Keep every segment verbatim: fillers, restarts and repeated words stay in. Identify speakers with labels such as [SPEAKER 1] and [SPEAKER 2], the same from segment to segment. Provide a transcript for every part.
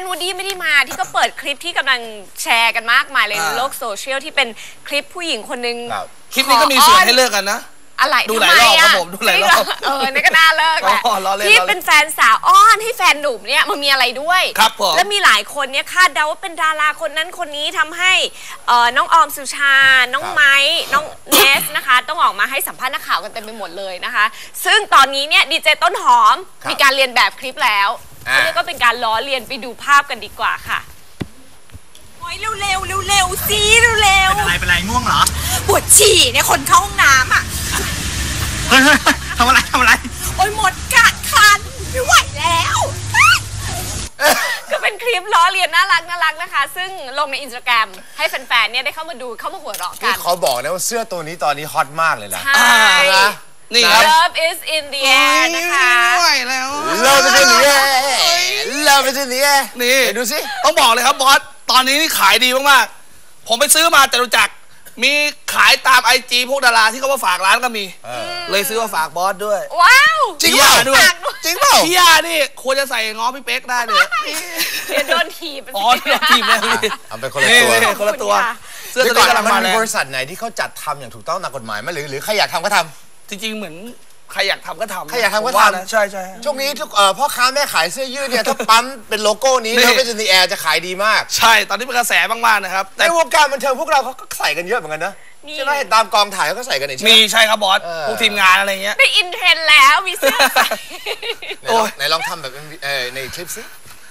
[SPEAKER 1] วูดดี้ไม่ได้มาที่ก็เปิดคลิปที่กำลังแชร์กันมากมายเลยในโลกโซเชียลที่เป็นคลิปผู้หญิงคนนึง
[SPEAKER 2] คลิปนี้ก็มีส่วนให้เลิกกันนะ
[SPEAKER 1] อะไร
[SPEAKER 2] ดูหลายรอบครับผมดูหลายรอบ
[SPEAKER 1] เออนี่ก็น่าเลิกแหละที่เป็นแฟนสาวอ้อนให้แฟนหนุ่มเนี่ยมันมีอะไรด้วย
[SPEAKER 2] ครับผม
[SPEAKER 1] แล้วมีหลายคนเนี่ยคาดเดาว่าเป็นดาราคนนั้นคนนี้ทำให้น้องออมสุชาน้องไม้น้องเนสนะคะต้องออกมาให้สัมภาษณ์นักข่าวกันเต็มไปหมดเลยนะคะซึ่งตอนนี้เนี่ยดีเจต้นหอมมีการเรียนแบบคลิปแล้วเขาเรียกก็เป็นการล้อเลียนไปดูภาพกันดีกว่าค่ะโอ้ยเร็วเร็วเร็วเร็วซีเร็วเร็ว
[SPEAKER 3] เป็นอะไรเป็นอะไรง่วงเหรอ
[SPEAKER 1] ปวดฉี่เนี่ยคนเข้าห้องน้ำอ่ะ
[SPEAKER 3] เฮ้ยทำอะไรทำอะไร
[SPEAKER 1] โอ้ยหมดกัดคันไม่ไหวแล้วก็เป็นคลิปล้อเลียนน่ารักน่ารักนะคะซึ่งลงในอินสตาแกรมให้แฟนๆเนี่ยได้เข้ามาดูเข้ามาหัวเราะกัน
[SPEAKER 4] เขาบอกนะว่าเสื้อตัวนี้ตอนนี้ฮอตมากเลยนะ
[SPEAKER 1] ใช่
[SPEAKER 2] นี่ครับ
[SPEAKER 1] Love is in the air นะคะ
[SPEAKER 2] ไม่ไหวแล้ว
[SPEAKER 4] Love is in the air Love is in the air
[SPEAKER 2] นี่
[SPEAKER 4] ดูสิ
[SPEAKER 2] ต้องบอกเลยครับบอสตอนนี้นี่ขายดีมากๆผมไปซื้อมาจตุจักรมีขายตามไอจีพวกดาราที่เขามาฝากร้านก็มีเลยซื้อมาฝากบอสด้วย
[SPEAKER 1] ว้าว
[SPEAKER 4] จริงเปล่า
[SPEAKER 2] ด้วย
[SPEAKER 4] จริงเปล่า
[SPEAKER 2] พี่ยานี่ควรจะใส่ง้อพี่เป๊กได้เลย
[SPEAKER 1] เดี๋ยวโดนถีบ
[SPEAKER 2] อ๋อโดนถีบเลย
[SPEAKER 4] เอาไปคนละตัว
[SPEAKER 2] คนละตัว
[SPEAKER 4] เสื้อตัวนี้กำลังมาเลยบริษัทไหนที่เขาจัดทำอย่างถูกต้องตามกฎหมายไหมหรือหรือใครอยากทำก็ทำ
[SPEAKER 2] จริงๆเหมือนใครอยากทำก็ทำ
[SPEAKER 4] ใครอยากทำก็ทำ
[SPEAKER 2] ใช่ใช่
[SPEAKER 4] ช่วงนี้ทุกพ่อค้าแม่ขายเสื้อยืดเนี่ยถ้าปั๊มเป็นโลโก้นี้แล้วก็จะในแอร์จะขายดีมาก
[SPEAKER 2] ใช่ตอนนี้เป็นกระแสมากๆนะครับ
[SPEAKER 4] ในวงการบันเทิงพวกเราเขาก็ใส่กันเยอะเหมือนกันนะใช่ไหมตามกองถ่ายเขาก็ใส่กันใช่ไหม
[SPEAKER 2] มีใช่ครับบอสพวกทีมงานอะไรเงี้ย
[SPEAKER 1] ได้อินเทรนแล้วมีเสื้อใส่
[SPEAKER 4] ไหนลองทำแบบในคลิปสิ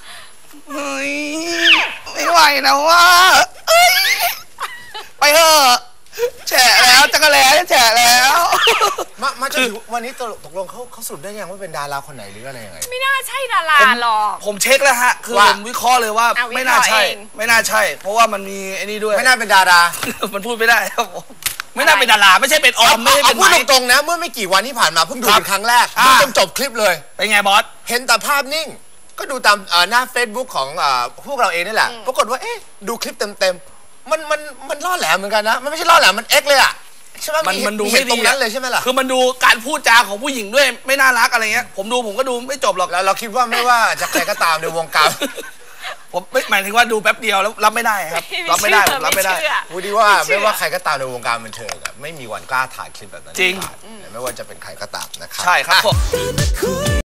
[SPEAKER 2] ไม่ไหวแล้วว่าไปเถอะแฉะแล้วจักรแล้แฉะแล้ว
[SPEAKER 4] มามาจนถึงวันนี้ตกลงเขาเขาสรุปได้ยังว่าเป็นดาราคนไหนหรืออะไรยังไง
[SPEAKER 1] ไม่น่าใช่ดาราหรอก
[SPEAKER 2] ผมเช็คแล้วฮะคือผมวิเคราะห์เลยว่าไม่น่าใช่ไม่น่าใช่เพราะว่ามันมีไอ้นี่ด้วย
[SPEAKER 4] ไม่น่าเป็นดารา
[SPEAKER 2] มันพูดไม่ได้ครับผมไม่น่าเป็นดาราไม่ใช่เป็นออมไม่ใช่เป็น
[SPEAKER 4] พูดตรงๆนะเมื่อไม่กี่วันที่ผ่านมาเพิ่งดูเป็นครั้งแรกดูจนจบคลิปเลย
[SPEAKER 2] เป็นไงบอส
[SPEAKER 4] เห็นแต่ภาพนิ่งก็ดูตามหน้า Facebook ของพวกเราเองนี่แหละปรากฏว่าเอ๊ะดูคลิปเต็มๆมันมันมันล่อแหลมเหมือนกันนะมันไม่ใช่ล่อแหลมมันเอ็กเลยอ่ะใช่ไหม
[SPEAKER 2] มันมันดูไม่ดี
[SPEAKER 4] ตรงนั้นเลยใช่ไหมล่ะ
[SPEAKER 2] คือมันดูการพูดจาของผู้หญิงด้วยไม่น่ารักอะไรเงี้ยผมดูผมก็ดูไม่จบหรอก
[SPEAKER 4] แล้วเราคิดว่าไม่ว่าจะใครก็ตามในวงการ
[SPEAKER 2] ผมไม่หมายถึงว่าดูแป๊บเดียวแล้วรับไม่ได้ครับรับไม่ได้รับไม่ได้
[SPEAKER 4] พูดดีว่าไม่ว่าใครก็ตามในวงการบันเทิงไม่มีวันกล้าถ่ายคลิปแบบนั้น
[SPEAKER 2] จริง
[SPEAKER 4] ไม่ว่าจะเป็นใครก็ตามนะครับ
[SPEAKER 2] ใช่ครับผม